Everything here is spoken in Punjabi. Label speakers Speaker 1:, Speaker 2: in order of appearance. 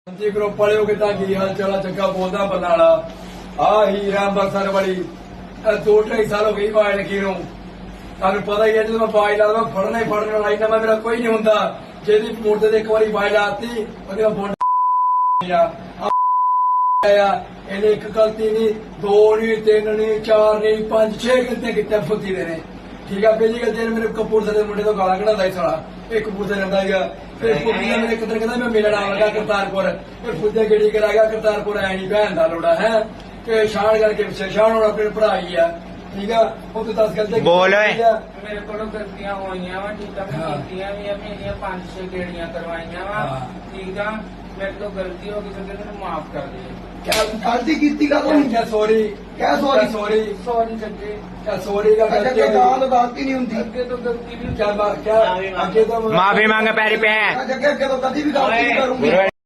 Speaker 1: जी ग्रुप वाले हो कितना की हाल चला चक्का बोलता बरनाला आ ही अंबरसर वाली 2-2.5 साल हो गई बाढ़ लगी ਨੂੰ ਤੁਹਾਨੂੰ ਪਤਾ ਹੀ ਹੈ ਜਦੋਂ ਮੈਂ ਬਾਜ ਲਾਦਾ ਮੈਂ ਫੜਨਾ ਹੀ ਫੜਨ ਵਾਲਾ ਇੰਨਾ ਮੇਰਾ ਕੋਈ ਨਹੀਂ ਹੁੰਦਾ ਜਿਹਦੀ ਮੋਟਰ ਤੇ ਇੱਕ ਵਾਰੀ ਬਾਜ ਲਾਤੀ ਉਹਦੇ ਨਾਲ ਬੋਂਡ ਆ ਇਹਨੇ ਇੱਕ ਗਲਤੀ ਨਹੀਂ ਦੋ ਨਹੀਂ ਤਿੰਨ ਨਹੀਂ ਚਾਰ ਨਹੀਂ ਪੰਜ ਛੇ ਗਲਤੀਆਂ ਕੀਤੀਆਂ ਫੁੱਤੀ ਦੇ ਨੇ ਠੀਕ ਆ ਪਹਿਲੀ ਗਲਤੀ ਨੇ ਮੇਰੇ ਕਪੂਰਥਲੇ ਦੇ ਮੁੰਡੇ ਤੋਂ ਗਾਲਾਂ ਕਢਾਉਂਦਾ ਸੀ ਸਾਲਾ ਇਹ ਕਪੂਰਥਲੇ ਰਹਿੰਦਾ ਸੀਗਾ ਫਿਰ ਫੁੱਤੀ ਨੇ ਮੇਰੇ ਕਿੱਧਰ ਕਹਿੰਦਾ ਮੈਂ ਮਿਲਣ ਆਵਾਂਗਾ ਕਰਤਾਰਪੁਰ ਫਿਰ ਫੁੱਤੇ ਗੇੜੀ ਕਰਾ ਗਿਆ ਕਰਤਾਰਪੁਰ ਐ ਨਹੀਂ ਭੈਣ ਦਾ ਲੋੜਾ ਹੈ ਕਿ ਸ਼ਾਨ ਕਰਕੇ ਪਿੱਛੇ ਸ਼ਾਨ ਹੁਣ ਆਪਣੇ ਭਰਾ ਹੀ ਆ ਠੀਕ ਆ ਉਹ ਤੋਂ 10 ਗਲਤੀਆਂ
Speaker 2: ਬੋਲ ਓਏ
Speaker 3: ਮੇਰੇ ਕੋਲੋਂ ਗਲਤੀਆਂ ਹੋਈਆਂ ਵਾ ਠੀਕ ਆ ਮੈਂ ਕੀਤੀਆਂ ਵੀ ਆ ਮੇਰੀਆਂ 5-6 ਗੇੜੀਆਂ ਕਰਵਾਈਆਂ ਵਾ ਠੀਕ ਆ ਮੇਰੇ ਤੋਂ ਗਲਤੀ ਹੋ ਗਈ ਤੇ ਮੈਨੂੰ ਮਾਫ ਕਰ ਦੇ
Speaker 1: क्या गलती की का तो क्या सॉरी क्या सॉरी सॉरी
Speaker 3: सॉरी सच्चे
Speaker 1: क्या सॉरी का गलती
Speaker 4: गलती नहीं होती
Speaker 3: ਅੱਗੇ ਤੋਂ ਗਲਤੀ ਵੀ
Speaker 1: क्या क्या आगे तो
Speaker 2: माफी मांगे पैरी पे
Speaker 4: जगह तो कभी भी गलती नहीं करूंगी